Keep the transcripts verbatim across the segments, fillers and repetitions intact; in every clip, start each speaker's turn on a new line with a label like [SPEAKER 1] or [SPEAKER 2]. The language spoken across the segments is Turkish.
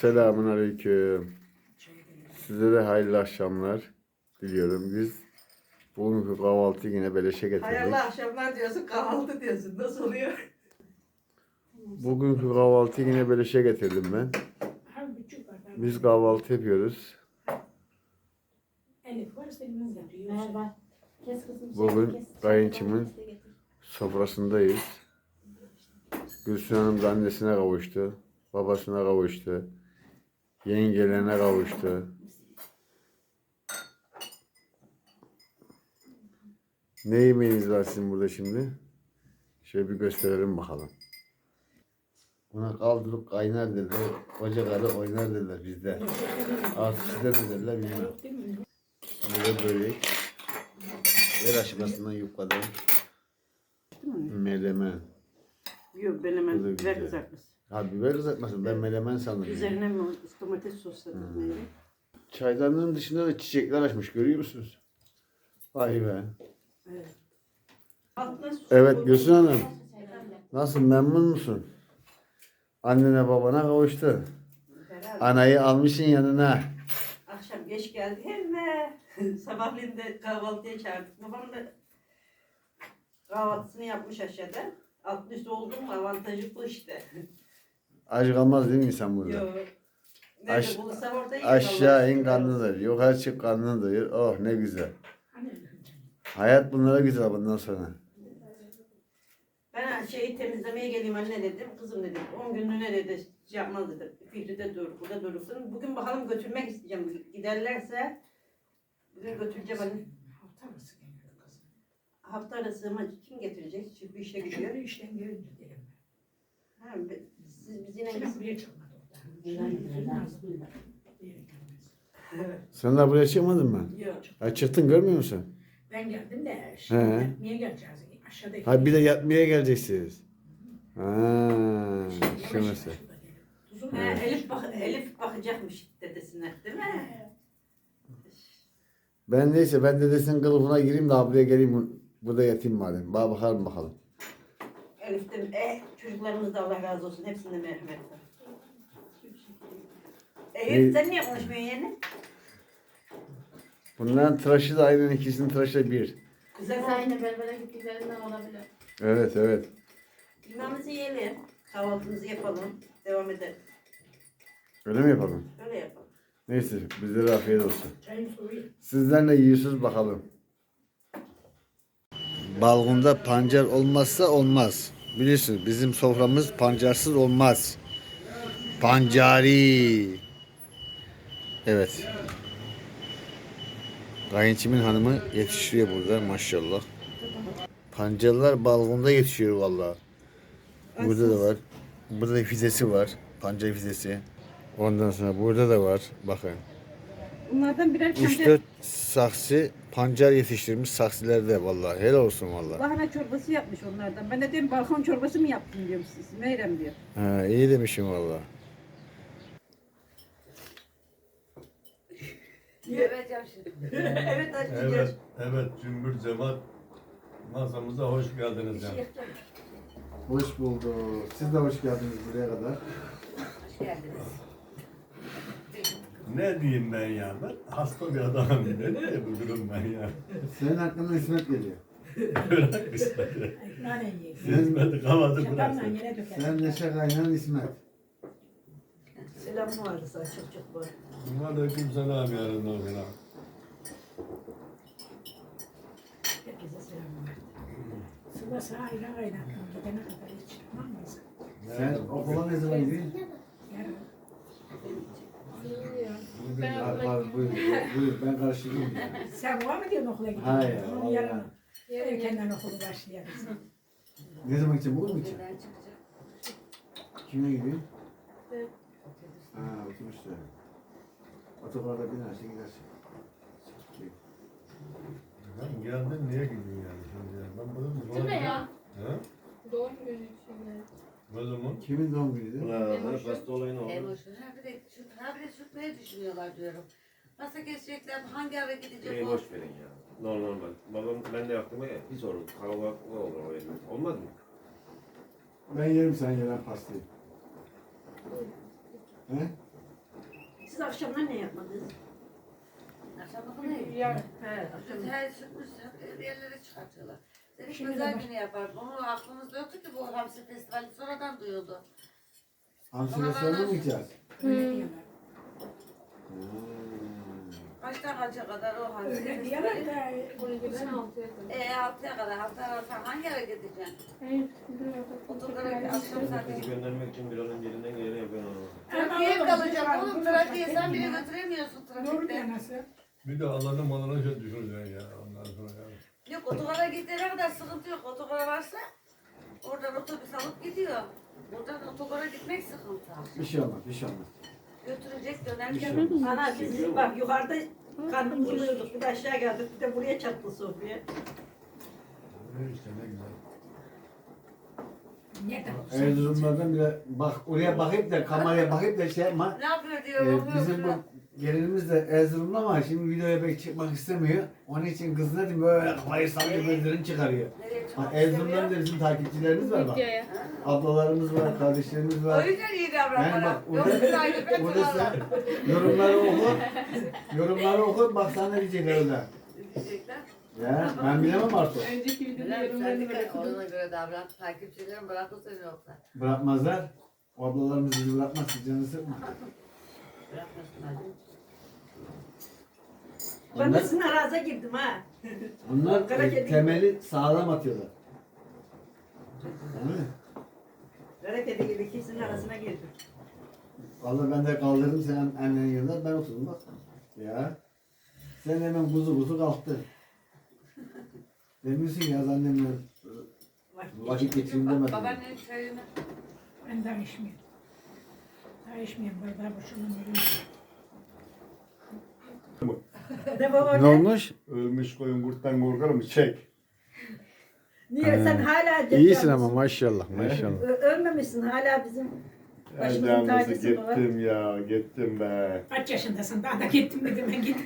[SPEAKER 1] Selamun aleyküm. Size de hayırlı akşamlar diliyorum. Biz bugünkü kahvaltıyı yine beleşe getirdik.
[SPEAKER 2] Hayırlı akşamlar diyorsun, kahvaltı diyorsun. Nasıl oluyor?
[SPEAKER 1] Bugünkü kahvaltıyı yine beleşe getirdim ben. Biz kahvaltı yapıyoruz. Bugün kayınçımın sofrasındayız. Gülsün Hanım da annesine kavuştu. Babasına kavuştu. Yengelerine kavuştu. Ne yemeğiniz var sizin burada şimdi? Şöyle bir gösterelim bakalım. Buna kaldırıp kaynar derler. Koca karı oynar derler bizde. Artık sizde ne derler bilmem. Burada börek. El aşamasından yukarıdan. Melemen.
[SPEAKER 2] Yok, ben hemen biber
[SPEAKER 1] güzel.
[SPEAKER 2] kızartması.
[SPEAKER 1] Ha biber kızartmasın. Ben melemen sandım.
[SPEAKER 2] Üzerine mi domates sosladım.
[SPEAKER 1] Hmm. Çaydanlığın dışında da çiçekler açmış. Görüyor musunuz? Vay be.
[SPEAKER 2] Evet.
[SPEAKER 1] Evet Gülsün Hanım. Nasıl, memnun musun? Annene babana kavuştu. Anayı almışsın yanına.
[SPEAKER 2] Akşam geç geldi hemen. Sabahleyin de kahvaltıya çağırdık. Babam da kahvaltısını yapmış aşağıda. Altlı üstü oldu mu avantajı bu işte.
[SPEAKER 1] Aç kalmaz değil mi insan burada?
[SPEAKER 2] Yok. Nerede
[SPEAKER 1] Aş-
[SPEAKER 2] bulursa orada yiyor.
[SPEAKER 1] Aşağı in karnını doyur. Yukarı çık karnını doyur. Oh ne güzel. Hayat bunlara güzel bundan sonra.
[SPEAKER 2] Ben şeyi temizlemeye geleyim anne dedim. Kızım dedim. on günlüğüne dedi şey yapmaz dedi. Fikri'de dur, burada durursun. Bugün bakalım götürmek isteyeceğim. Giderlerse bugün götüreceğim anne.
[SPEAKER 3] Hafta arası geliyor kızım.
[SPEAKER 2] Hafta arası ama kim getirecek? Çünkü işe gidiyor.
[SPEAKER 3] Şöyle işten gelince derim ben.
[SPEAKER 2] Ha, be- siz biz yine
[SPEAKER 3] Şimdi buraya çıkmadı orada. Şimdi Nazlı bir yere gelmez.
[SPEAKER 1] Sen daha buraya çıkmadın mı?
[SPEAKER 2] Yok.
[SPEAKER 1] Ha çıktın, görmüyor musun?
[SPEAKER 3] Ben geldim de
[SPEAKER 1] He.
[SPEAKER 3] şimdi niye geleceğiz? Aşağıda.
[SPEAKER 1] Ha bir de yatmaya geleceksiniz. Ha, şu mesela.
[SPEAKER 2] Ha, Elif, bak Elif bakacakmış dedesine değil mi?
[SPEAKER 1] Ben neyse ben dedesinin kılıfına gireyim de buraya geleyim, burada yatayım madem. Bana bakalım bakalım.
[SPEAKER 2] Elif de eh, çocuklarımız da Allah razı olsun. Hepsinde merhamet var. Elif sen niye konuşmuyorsun yani?
[SPEAKER 1] Bunların tıraşı da aynen, ikisinin tıraşı da bir.
[SPEAKER 2] Güzel
[SPEAKER 4] Aynı berbere gittiklerinden olabilir.
[SPEAKER 1] Evet evet.
[SPEAKER 2] Yemeğimizi yiyelim. Kahvaltımızı yapalım. Devam edelim.
[SPEAKER 1] Öyle mi yapalım?
[SPEAKER 2] Öyle yapalım.
[SPEAKER 1] Neyse bizlere afiyet olsun.
[SPEAKER 3] Çayın suyu.
[SPEAKER 1] Sizler ne yiyorsunuz bakalım. Balkonda pancar olmazsa olmaz. Biliyorsunuz bizim soframız pancarsız olmaz. Pancari. Evet. Kayınçimin hanımı yetiştiriyor burada maşallah. Pancarlar balkonda yetişiyor vallahi. Burada da var. Burada da fidesi var. Pancar fidesi. Ondan sonra burada da var. Bakın.
[SPEAKER 2] Bunlardan birer
[SPEAKER 1] üç dört saksı pancar yetiştirmiş saksilerde vallahi. Helal olsun vallahi.
[SPEAKER 2] lahana çorbası yapmış onlardan. Ben de diyorum balkon çorbası mı yaptın diyorum siz. Meyrem diyor.
[SPEAKER 1] Ha, iyi demişim vallahi.
[SPEAKER 4] Evet şimdi.
[SPEAKER 2] Evet açacağız.
[SPEAKER 5] Evet, evet cümbür cemaat masamıza hoş geldiniz canım.
[SPEAKER 1] Hoş bulduk. Siz de hoş geldiniz buraya kadar.
[SPEAKER 4] Hoş geldiniz.
[SPEAKER 5] Ne diyeyim ben ya? Ben hasta bir adamım. Ne diye bu durum ben ya?
[SPEAKER 1] Senin hakkında İsmet geliyor.
[SPEAKER 5] Bırak İsmet'i.
[SPEAKER 3] Nane yiyin.
[SPEAKER 5] İsmet'i kavadı
[SPEAKER 3] Şakanla
[SPEAKER 5] bıraksın.
[SPEAKER 3] yere döker.
[SPEAKER 1] Sen Neşe Kaynan İsmet.
[SPEAKER 2] Selam vardı sana çok çok var.
[SPEAKER 5] Aleyküm selam yarın o gün.
[SPEAKER 3] Herkese selam verdi. Sıla sağa ayran kaynattım. Gidene kadar hiç. Tamam mı?
[SPEAKER 1] Sen okula ne zaman gidiyorsun?
[SPEAKER 3] Yarın.
[SPEAKER 4] Ben
[SPEAKER 1] Ha,
[SPEAKER 4] okula
[SPEAKER 1] pardon, buyur, buyur, ben karıştırdım.
[SPEAKER 3] Sen var mı diyorsun okula gidiyorsun?
[SPEAKER 1] Hayır,
[SPEAKER 3] Onun
[SPEAKER 1] vallahi.
[SPEAKER 3] yarın. Erkenden okulu başlayarız.
[SPEAKER 1] Ne zaman gideceksin? Bugün mü gideceksin?
[SPEAKER 4] Buradan çıkacak.
[SPEAKER 1] Kime gidiyorsun?
[SPEAKER 4] Evet.
[SPEAKER 1] Ha, otobüste. Otogarda binersin gidersin.
[SPEAKER 5] Lan geldin niye gidiyorsun yani şimdi ya? Ben bunu
[SPEAKER 4] Değil mi ya?
[SPEAKER 5] He?
[SPEAKER 4] Doğum günü şimdi.
[SPEAKER 5] Ne zaman?
[SPEAKER 1] Kimin doğum günüydü?
[SPEAKER 5] Ulan hasta olayın oldu.
[SPEAKER 4] Emoşun. Ha bir de şu ha bir de sürtmeyi düşünüyorlar diyorum. Nasıl geçecekler? Hangi eve gidecek
[SPEAKER 6] Beni
[SPEAKER 4] o?
[SPEAKER 6] boş verin ya. Normal bak. Babam ben de yaptım ya. Bir sorun. Kavga ne olur o evde. Olmaz mı?
[SPEAKER 1] Ben yerim sen yenen pastayı. He?
[SPEAKER 3] Siz akşamlar ne yapmadınız?
[SPEAKER 4] Akşam bakın
[SPEAKER 2] Ya, he, akşam.
[SPEAKER 4] Her sürpriz hep yerlere çıkartıyorlar. Dedik
[SPEAKER 3] Şimdi
[SPEAKER 4] özel
[SPEAKER 3] de baş-
[SPEAKER 4] günü yapar. Bunu aklımızda yoktu ki bu Hamsi Festivali sonradan duyuldu.
[SPEAKER 1] Hamsi restoranına mı gideceğiz?
[SPEAKER 3] Öyle diyorlar.
[SPEAKER 4] Kaçtan kaça kadar o Hamsi
[SPEAKER 3] Öyle diyorlar
[SPEAKER 4] Festivali?
[SPEAKER 3] da
[SPEAKER 7] Ben altıya kadar.
[SPEAKER 4] Eee altıya kadar hafta arası hangi yere gideceksin?
[SPEAKER 7] Hayır, biliyorum.
[SPEAKER 4] Otogara akşam saati.
[SPEAKER 6] Bizi göndermek için bir an önce elinden geleni yapıyor ama.
[SPEAKER 4] Trafiğe mi kalacak oğlum? Trafiğe sen bile götüremiyorsun
[SPEAKER 3] Doğru
[SPEAKER 4] trafikte.
[SPEAKER 3] diyor nasıl?
[SPEAKER 5] Bir de Allah'ın malına şey düşüreceksin ya ondan sonra ya.
[SPEAKER 4] Yok otogara gittiğine kadar sıkıntı yok. Otogara varsa oradan otobüs alıp gidiyor. Buradan otogara gitmek sıkıntı.
[SPEAKER 1] Bir şey olmaz, bir şey olmaz.
[SPEAKER 4] Götürecek
[SPEAKER 1] Bir şey
[SPEAKER 4] dönerken.
[SPEAKER 1] olmaz.
[SPEAKER 2] Ana biz bak yukarıda karnımızı doyurduk. Bir de aşağı geldik. Bir de buraya çattı sofraya.
[SPEAKER 5] İşte ne güzel.
[SPEAKER 3] Nereden?
[SPEAKER 1] Erzurumlardan bile bak oraya bakıp da kameraya bakıp da şey yapma.
[SPEAKER 4] Ne yapıyor
[SPEAKER 1] Ee,
[SPEAKER 4] diyor. bakıyor
[SPEAKER 1] bizim bu
[SPEAKER 4] şuna.
[SPEAKER 1] gelinimiz de Erzurumlu ama şimdi videoya pek çıkmak istemiyor. Onun için kız ne diyeyim böyle kafayı sallıyor gözlerini çıkarıyor.
[SPEAKER 4] Nereye
[SPEAKER 1] Ha,
[SPEAKER 4] çıkmak
[SPEAKER 1] Erzurum'dan
[SPEAKER 4] istemiyor?
[SPEAKER 1] da bizim takipçilerimiz var bak.
[SPEAKER 7] Videoya.
[SPEAKER 1] Ablalarımız var, kardeşlerimiz
[SPEAKER 4] O
[SPEAKER 1] var.
[SPEAKER 4] yüzden iyi
[SPEAKER 1] Yani
[SPEAKER 4] davranmalar.
[SPEAKER 1] bak
[SPEAKER 4] Yoksa
[SPEAKER 1] orada,
[SPEAKER 4] aynı ben
[SPEAKER 1] orada
[SPEAKER 4] sana.
[SPEAKER 1] sen yorumları oku. Yorumları oku bak sana ne diyecekler orada.
[SPEAKER 4] Diyecekler.
[SPEAKER 1] Ya ben bilemem artık.
[SPEAKER 7] Önceki videoda
[SPEAKER 4] Bilal, sen
[SPEAKER 7] yorumlarını
[SPEAKER 4] de
[SPEAKER 7] bırakın.
[SPEAKER 4] ona göre davran. Takipçilerin bırakırsa yoksa.
[SPEAKER 1] Bırakmazlar. O ablalarımız bizi bırakmaz. Siz canını sıkma.
[SPEAKER 4] Bırakmasın hadi.
[SPEAKER 2] Ben de
[SPEAKER 1] Onlar,
[SPEAKER 2] sizin araza girdim ha.
[SPEAKER 1] onlar
[SPEAKER 2] Kara
[SPEAKER 1] e,
[SPEAKER 2] kedi.
[SPEAKER 1] temeli sağlam atıyorlar. Değil mi?
[SPEAKER 2] Hareketi gibi ikisinin arasına girdim.
[SPEAKER 1] Vallahi ben de kaldırdım sen annenin yanında ben oturdum bak. Ya. Sen hemen kuzu kuzu kalktın. Demiyorsun ki yaz annemle vakit geçireyim demedin.
[SPEAKER 4] Babaannenin çayını.
[SPEAKER 3] Ben daha içmiyorum. Daha içmiyorum. Bardağı boşuna vereyim.
[SPEAKER 2] De baba
[SPEAKER 1] Ne olmuş?
[SPEAKER 5] Ölmüş koyun kurttan korkar mı? Çek.
[SPEAKER 2] Niye sen hala
[SPEAKER 1] İyisin ama maşallah maşallah.
[SPEAKER 2] Ö- ölmemişsin hala bizim
[SPEAKER 5] Ay
[SPEAKER 2] başımızın
[SPEAKER 5] canlısı
[SPEAKER 2] tacısı baba.
[SPEAKER 5] gittim ya gittim be.
[SPEAKER 3] Kaç yaşındasın? Daha da gittim dedim ben git.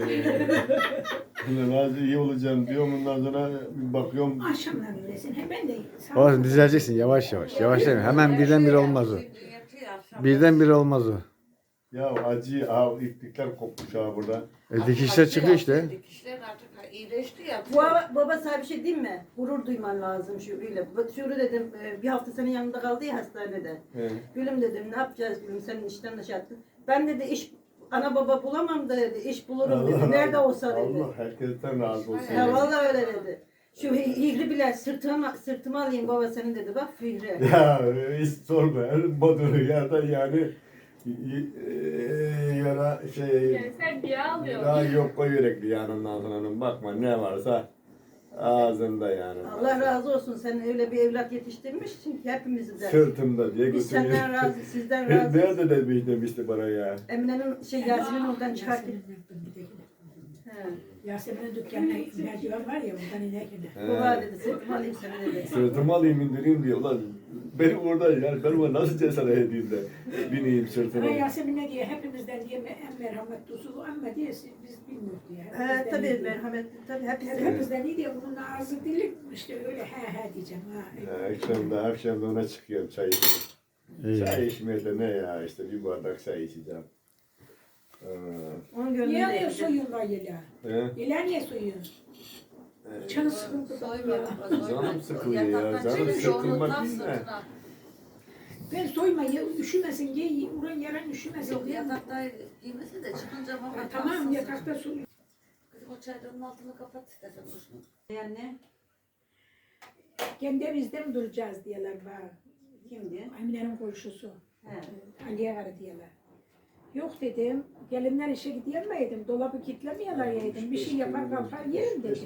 [SPEAKER 5] Ulan az iyi olacağım diyorum ondan sonra bir bakıyorum.
[SPEAKER 3] Akşamlar öylesin. He ben de sağ
[SPEAKER 1] Olsun düzeleceksin yavaş yavaş. Yavaş değil mi? Hemen birdenbire olmaz o. Birdenbire olmaz o.
[SPEAKER 5] Ya acı ha iplikler kopmuş ha burada.
[SPEAKER 1] E, dikişler çıkıyor işte.
[SPEAKER 4] Dikişler artık iyileşti ya.
[SPEAKER 2] Bu baba, baba sana bir şey diyeyim mi? Gurur duyman lazım Şuru'yla. Bak Şuru dedim e, bir hafta senin yanında kaldı ya hastanede.
[SPEAKER 5] He.
[SPEAKER 2] Gülüm dedim ne yapacağız gülüm senin işten dışarı attın. Ben dedi iş ana baba bulamam da dedi iş bulurum dedi. Nerede olsa dedi.
[SPEAKER 5] Allah herkesten razı olsun.
[SPEAKER 2] Ya vallahi öyle dedi. Şu Fihri bile sırtıma, sırtıma alayım baba senin dedi bak Fihri.
[SPEAKER 5] Ya hiç sorma. Baduru ya da yani y- y- yara şey
[SPEAKER 7] Yani sen bir alıyorsun.
[SPEAKER 5] daha yok koy yürekli yanından sonra bakma ne varsa ağzında yani.
[SPEAKER 2] Allah razı olsun sen öyle bir evlat yetiştirmişsin ki hepimizi de.
[SPEAKER 5] Sırtımda diye
[SPEAKER 2] Biz
[SPEAKER 5] götürüyor.
[SPEAKER 2] senden razı, sizden razı.
[SPEAKER 5] Nerede demiş demişti bana ya.
[SPEAKER 2] Emine'nin şey Yasemin oradan çıkarken. He.
[SPEAKER 3] Yasemin'in dükkanına merdiven var ya oradan inerken.
[SPEAKER 5] He.
[SPEAKER 2] Baba dedi sırtıma alayım seni dedi.
[SPEAKER 5] Sırtıma alayım indireyim diyor. Ulan benim orada yani ben ona nasıl cesaret edeyim de bineyim sırtıma.
[SPEAKER 3] Ama Yasemin ne diye hepimizden diye en merhametli usul ama diye biz bilmiyoruz diye.
[SPEAKER 2] He
[SPEAKER 3] Hepimizden
[SPEAKER 2] tabii
[SPEAKER 3] iyi diye.
[SPEAKER 2] merhametli tabii hepsi.
[SPEAKER 3] Hepimizden iyi diye bunun ağzı dili işte öyle he he diyeceğim ha.
[SPEAKER 5] Ya, akşamda akşamda ona çıkıyorum çay içmeye.
[SPEAKER 1] İyi.
[SPEAKER 5] Çay içmeye de ne ya işte bir bardak çay içeceğim. Ee,
[SPEAKER 2] Onun
[SPEAKER 3] Niye
[SPEAKER 2] gönlünde
[SPEAKER 3] niye
[SPEAKER 2] yapacak.
[SPEAKER 3] soyun var yela?
[SPEAKER 5] he?
[SPEAKER 3] Yela niye soyun? Canı sıkıntı
[SPEAKER 4] Soymuyor.
[SPEAKER 5] Canım sıkılıyor ya, canım sıkılmak değil de.
[SPEAKER 3] Ben soyma ya üşümesin ye uğran yaran üşümesin
[SPEAKER 4] Yok
[SPEAKER 3] diye.
[SPEAKER 4] yatakta giymesin de çıkınca baba.
[SPEAKER 3] Ha, tamam yatakta soy.
[SPEAKER 4] Kızım o çaydanın altını kapat istersen boşuna.
[SPEAKER 2] Yani
[SPEAKER 3] Kendi evimizde mi duracağız diyorlar bana.
[SPEAKER 2] kimdi?
[SPEAKER 3] Emine'nin komşusu.
[SPEAKER 2] He.
[SPEAKER 3] Aliye var diyorlar. Yok dedim, gelinler işe gidiyor muyum? Dolabı kilitlemeyeler yedim. Bir şey yapar kalkar yerim dedi.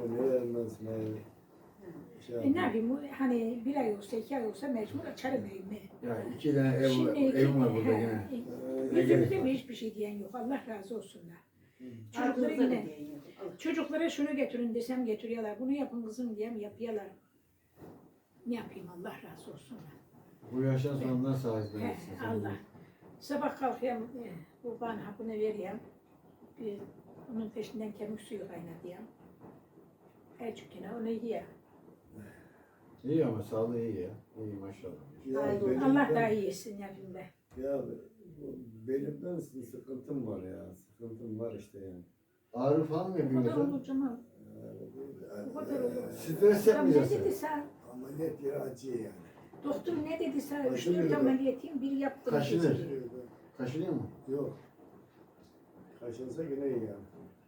[SPEAKER 3] E ne yapayım, hani bir ay olsa, iki ay olsa mecbur açarım evimi.
[SPEAKER 1] Ya iki tane ev,
[SPEAKER 3] Şimdi
[SPEAKER 1] evim var burada
[SPEAKER 3] he,
[SPEAKER 1] yine.
[SPEAKER 3] e, Yüzümüzde mi hiçbir şey diyen yok. Allah razı olsunlar. Çocuklara
[SPEAKER 2] Ardınızda
[SPEAKER 3] yine,
[SPEAKER 2] da diyen yok. Allah.
[SPEAKER 3] çocuklara şunu getirin desem getiriyorlar. Bunu yapın kızım diyem yapıyorlar. Ne yapayım Allah razı olsunlar.
[SPEAKER 1] Bu yaştan sonra nasıl sahip
[SPEAKER 3] He,
[SPEAKER 1] verirsin sen?
[SPEAKER 3] Allah. Sabah kalkıyorum, e, bu bana hapını vereyim. Bir, onun peşinden kemik suyu kaynatayım. Ercükene onu yiyeyim.
[SPEAKER 1] İyi ama sağlığı iyi ya. İyi maşallah.
[SPEAKER 5] Ya
[SPEAKER 2] Ay,
[SPEAKER 5] benim-
[SPEAKER 3] Allah
[SPEAKER 5] ben-
[SPEAKER 3] daha iyi etsin hepimde.
[SPEAKER 5] Ya belimden sıkıntım var ya. Sıkıntım var işte yani.
[SPEAKER 1] Ağrı falan mı
[SPEAKER 3] O kadar
[SPEAKER 1] yapıyorsun?
[SPEAKER 3] olur Cemal. O kadar olur.
[SPEAKER 1] Stres
[SPEAKER 3] Adam ne
[SPEAKER 1] yapmayacaksın.
[SPEAKER 3] dedi sen?
[SPEAKER 5] Ameliyat yeri acıyor yani.
[SPEAKER 3] Doktor ne dedi sen? Üç
[SPEAKER 5] Kaşınıyor
[SPEAKER 3] dört
[SPEAKER 5] da.
[SPEAKER 3] ameliyatıyım, bir yaptım.
[SPEAKER 1] Kaşınır.
[SPEAKER 3] dedi.
[SPEAKER 1] Kaşınıyor mu?
[SPEAKER 5] Yok. Kaşınsa yine iyi yani.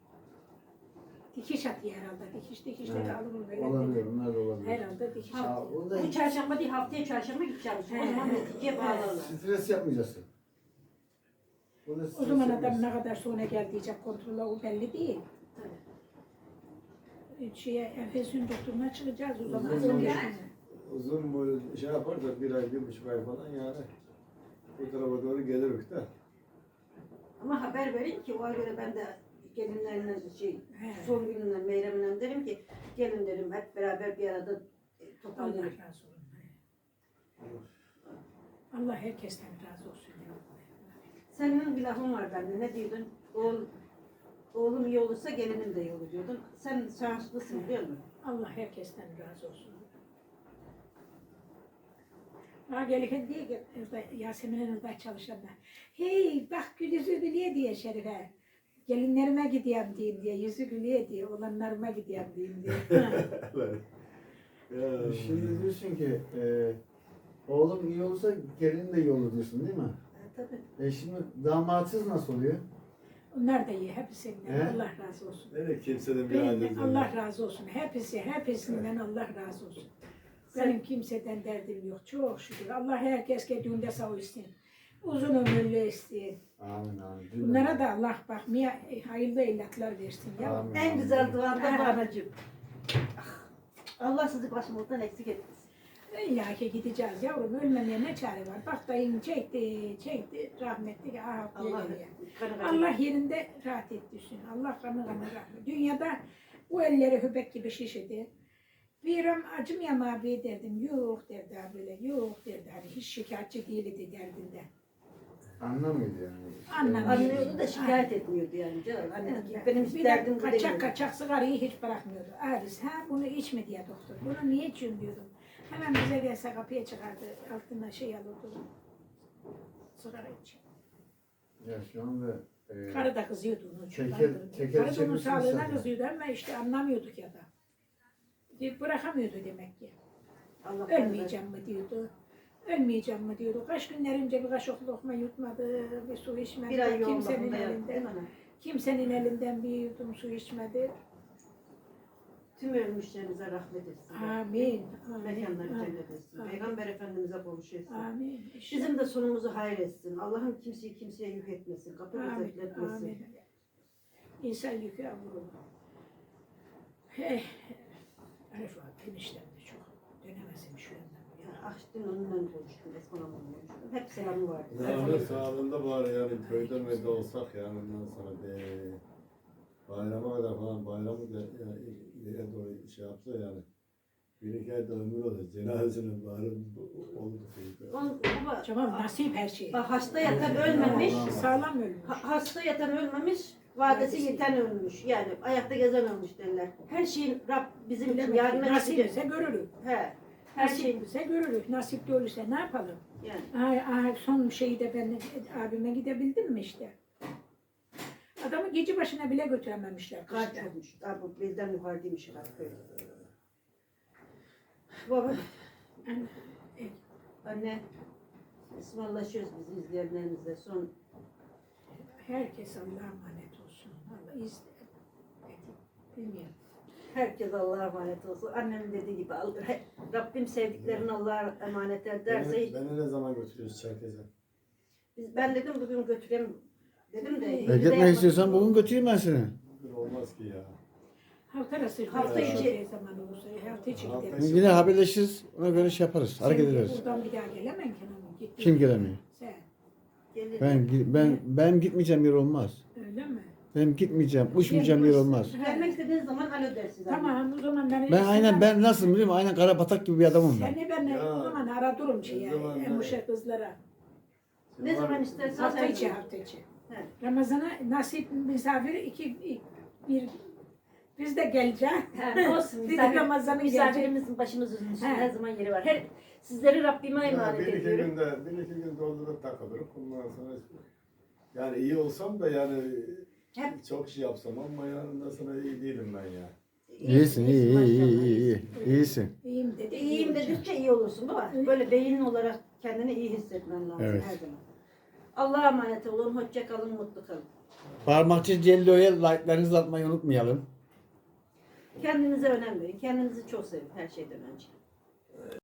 [SPEAKER 3] Dikiş atıyor herhalde. Dikiş dikişleri
[SPEAKER 1] Evet.
[SPEAKER 3] alırım böyle.
[SPEAKER 1] Olabilir, bunlar da olabilir.
[SPEAKER 3] Herhalde dikiş
[SPEAKER 1] Ha,
[SPEAKER 3] atıyor.
[SPEAKER 1] o da
[SPEAKER 2] Bu çarşamba değil haftaya çarşamba gideceğim. O zaman neticeye bağlarlar.
[SPEAKER 1] stres yapmayacaksın. Bu da
[SPEAKER 3] O
[SPEAKER 1] stres
[SPEAKER 3] zaman adam
[SPEAKER 1] yapmayacaksın.
[SPEAKER 3] ne kadar sonra gel diyecek kontrole o belli değil. Şeye, enfeksiyon doktoruna çıkacağız o zaman.
[SPEAKER 1] Uzun
[SPEAKER 3] on beş
[SPEAKER 1] zaman.
[SPEAKER 3] güne.
[SPEAKER 5] Uzun böyle şey yaparsa bir ay, bir buçuk ay falan yani. Bu tarafa doğru geliriz de.
[SPEAKER 2] Ama haber verin ki ona göre ben de gelinlerine şey
[SPEAKER 3] He.
[SPEAKER 2] son gününden Meyrem'den derim ki gelin derim hep beraber bir arada e,
[SPEAKER 3] Allah
[SPEAKER 2] toplanalım.
[SPEAKER 3] razı olsun. Allah herkesten razı olsun. ya.
[SPEAKER 2] Senin bir lafın var bende ne diyordun? Oğul, oğlum iyi olursa gelinim de iyi olur diyordun. Sen şanslısın biliyor musun?
[SPEAKER 3] Allah herkesten razı olsun. Ha gelirken diye ki orada Yasemin'in orada çalışanlar. Hey bak gül yüzü gülüyor diye Şerife. Gelinlerime gideyim diyeyim diye, yüzü gülüyor diye, olanlarıma gideyim diyeyim diye.
[SPEAKER 5] Ya.
[SPEAKER 1] Şimdi diyorsun ki e, oğlum iyi olursa gelin de iyi olur diyorsun değil mi?
[SPEAKER 2] E, tabii.
[SPEAKER 1] E şimdi damatsız nasıl oluyor?
[SPEAKER 3] Onlar da iyi, hepsinden
[SPEAKER 1] He?
[SPEAKER 3] Allah razı olsun.
[SPEAKER 5] Öyle kimseden bir
[SPEAKER 3] Benim,
[SPEAKER 5] adet
[SPEAKER 3] Allah razı olsun. Hepsi, hepsinden Allah razı olsun. Benim kimseden derdim yok. Çok şükür. Allah herkes düğünde sağ olsun. Uzun ömürlü etsin.
[SPEAKER 1] Amin amin.
[SPEAKER 3] Bunlara da Allah bakmaya e, hayırlı evlatlar versin ya.
[SPEAKER 1] Amin.
[SPEAKER 2] En güzel duan da
[SPEAKER 3] Ha.
[SPEAKER 2] bu anacığım. Ah, Allah sizi başımızdan eksik etmesin.
[SPEAKER 3] İlla ki gideceğiz yavrum. Ölmemeye ne çare var? Bak dayın çekti, çekti. Rahmetli. Ah,
[SPEAKER 2] Allah
[SPEAKER 3] Allah,
[SPEAKER 2] kanı kanı.
[SPEAKER 3] Allah yerinde rahat ettirsin. Allah kanı kanı rahmet. Dünyada bu elleri höbek gibi şişedi. Bir an acımıyam abi derdim. Yok derdi abi böyle. Yok derdi. Hani hiç şikayetçi değildi derdinde.
[SPEAKER 1] Anlamıyordu yani.
[SPEAKER 3] Anlamıyor.
[SPEAKER 2] Anlıyordu da şikayet etmiyordu yani canım. Anne
[SPEAKER 3] Evet.
[SPEAKER 2] benim
[SPEAKER 3] Bir
[SPEAKER 2] derdim
[SPEAKER 3] de
[SPEAKER 2] bu
[SPEAKER 3] kaçak
[SPEAKER 2] değil.
[SPEAKER 3] kaçak sigarayı hiç bırakmıyordu. Abisi ha bunu içme diye doktor. Bunu niye içiyorsun diyordum. Hemen bize gelse kapıya çıkardı. Altına şey alırdı. Sigara içiyor.
[SPEAKER 1] Ya şu anda e,
[SPEAKER 3] Karı da kızıyordu onu. çok
[SPEAKER 1] Teker-
[SPEAKER 3] kaldırdı.
[SPEAKER 1] teker
[SPEAKER 3] Karı da onun
[SPEAKER 1] çevirsin
[SPEAKER 3] sağlığına
[SPEAKER 1] zaten.
[SPEAKER 3] kızıyordu ama işte anlamıyorduk ya da. Bir Bırakamıyordu demek ki.
[SPEAKER 2] Allah
[SPEAKER 3] Ölmeyeceğim mi diyordu. Ölmeyeceğim mi diyordu. Kaç günler önce bir kaşık lokma yutmadı, bir su içmedi.
[SPEAKER 2] bir ay yoğun
[SPEAKER 3] kimsenin
[SPEAKER 2] bakımda yattı değil
[SPEAKER 3] elinden,
[SPEAKER 2] mi anne?
[SPEAKER 3] kimsenin elinden bir yudum su içmedi.
[SPEAKER 2] Tüm ölmüşlerimize rahmet etsin.
[SPEAKER 3] Amin.
[SPEAKER 2] Mekanları
[SPEAKER 3] Amin.
[SPEAKER 2] cennet etsin.
[SPEAKER 3] Amin.
[SPEAKER 2] Peygamber Efendimiz'e kavuşursun.
[SPEAKER 3] Amin.
[SPEAKER 2] Bizim de sonumuzu hayır etsin. Allah'ım kimseyi kimseye yük etmesin. Kapımızı
[SPEAKER 3] Amin.
[SPEAKER 2] bekletmesin.
[SPEAKER 3] Amin. İnsan yükü vurur. Hey. Arif abi eniştem de çok. Dönemezim şu yandan.
[SPEAKER 2] Ya, ah dün onunla konuştum. Esman Hanım'la konuştum. Hep selamı vardı.
[SPEAKER 5] Sağlığı sağlığında bari yani köyde mi de olsak yani ondan sonra be. Bayrama kadar falan bayramı da yani ileriye doğru şey yapsa yani. Bir iki ayda ömür olur. Cenazesinin bari oldu.
[SPEAKER 2] Onun- baba,
[SPEAKER 3] Tamam nasip her şey.
[SPEAKER 2] bak hasta yatan ölmemiş.
[SPEAKER 3] Sağlam ölmüş.
[SPEAKER 2] Ha- hasta yatan ölmemiş. Vadesi yeten ölmüş. Yani ayakta gezen ölmüş derler. Her şeyin Rab bizim için
[SPEAKER 3] Bilemedim.
[SPEAKER 2] yardım
[SPEAKER 3] Nasip
[SPEAKER 2] edecek.
[SPEAKER 3] ise görürük.
[SPEAKER 2] He. Her
[SPEAKER 3] Nasip
[SPEAKER 2] şey
[SPEAKER 3] ise görürük. Nasipli olursa ne yapalım?
[SPEAKER 2] yani.
[SPEAKER 3] Ay, ay, son şeyi de ben abime gidebildim mi işte? Adamı gece başına bile götürememişler.
[SPEAKER 2] Kaç
[SPEAKER 3] kışta.
[SPEAKER 2] olmuş. Daha bu bizden yukarıdaymış kaç böyle. Baba,
[SPEAKER 3] Anne, e,
[SPEAKER 2] anne ısmarlaşıyoruz biz izleyenlerimizle. Son
[SPEAKER 3] herkes Allah'a emanet olsun. Allah iz bilmiyorum.
[SPEAKER 2] herkes Allah'a emanet olsun. Annemin dediği gibi alır. Rabbim sevdiklerini Allah'a emanet ederse
[SPEAKER 5] Beni, beni ne zaman götürüyoruz Çerkez'e?
[SPEAKER 2] biz, ben dedim bugün götüreyim dedim de.
[SPEAKER 1] E,
[SPEAKER 2] bize
[SPEAKER 1] gitmek
[SPEAKER 2] yapmadık.
[SPEAKER 1] istiyorsan bugün götüreyim ben seni.
[SPEAKER 5] Bugün olmaz ki ya.
[SPEAKER 3] Hafta arası
[SPEAKER 2] Hafta
[SPEAKER 3] içi zaman olursa hafta içi
[SPEAKER 5] Hafta
[SPEAKER 3] gideriz.
[SPEAKER 5] içi.
[SPEAKER 1] Yine haberleşiriz. Ona göre şey yaparız. Hareket
[SPEAKER 3] Sen
[SPEAKER 1] ederiz.
[SPEAKER 3] buradan bir daha gelemem ki hanım. Gittin.
[SPEAKER 1] Kim gelemiyor?
[SPEAKER 3] Sen.
[SPEAKER 2] Gelir.
[SPEAKER 1] Ben gi- ben ben gitmeyeceğim yer olmaz.
[SPEAKER 3] Öyle mi?
[SPEAKER 1] Benim gitmeyeceğim, uçmayacağım yer olmaz.
[SPEAKER 2] Gelmek istediğiniz zaman alo dersiz. anne.
[SPEAKER 3] Tamam o zaman ben...
[SPEAKER 1] Ben aynen ben nasıl biliyor musun? Aynen kara batak gibi bir adamım ben.
[SPEAKER 3] Seni ben
[SPEAKER 5] Ya,
[SPEAKER 3] o zaman ara durum
[SPEAKER 5] o
[SPEAKER 3] şeye,
[SPEAKER 5] zaman ne?
[SPEAKER 3] emuşa kızlara.
[SPEAKER 2] Ne zaman istersen
[SPEAKER 3] Hafta
[SPEAKER 2] sen
[SPEAKER 3] içi
[SPEAKER 2] gel.
[SPEAKER 3] hafta içi.
[SPEAKER 2] He.
[SPEAKER 3] Ramazan'a nasip misafiri iki, iki- bir biz de geleceğiz.
[SPEAKER 2] He, olsun.
[SPEAKER 3] Bir de
[SPEAKER 2] Misafir,
[SPEAKER 3] Ramazan'ın geleceği.
[SPEAKER 2] misafirimizin başımızın üstünde
[SPEAKER 3] He.
[SPEAKER 2] her zaman yeri var. Her, sizleri Rabbime
[SPEAKER 5] Ya
[SPEAKER 2] emanet
[SPEAKER 5] bir iki
[SPEAKER 2] ediyorum.
[SPEAKER 5] günde, bir iki gün doldurup takılırız. Ondan sonra Yani iyi olsam da yani
[SPEAKER 2] Hep-
[SPEAKER 5] çok şey yapsam ama yanında sana iyi değilim ben ya.
[SPEAKER 1] İyisin, iyi, iyi, iyi,
[SPEAKER 2] maşallah,
[SPEAKER 1] iyi, iyi. İyisin.
[SPEAKER 3] İyiyim dedi.
[SPEAKER 2] İyiyim
[SPEAKER 3] olacak.
[SPEAKER 2] dedikçe iyi olursun baba. Böyle beyin olarak kendini iyi hissetmen lazım
[SPEAKER 1] Evet.
[SPEAKER 2] her zaman. Allah'a emanet olun, hoşça kalın, mutlu kalın.
[SPEAKER 1] Parmakçı Cello'ya like'larınızı atmayı unutmayalım.
[SPEAKER 2] Kendinize önem verin, kendinizi çok sevin her şeyden önce.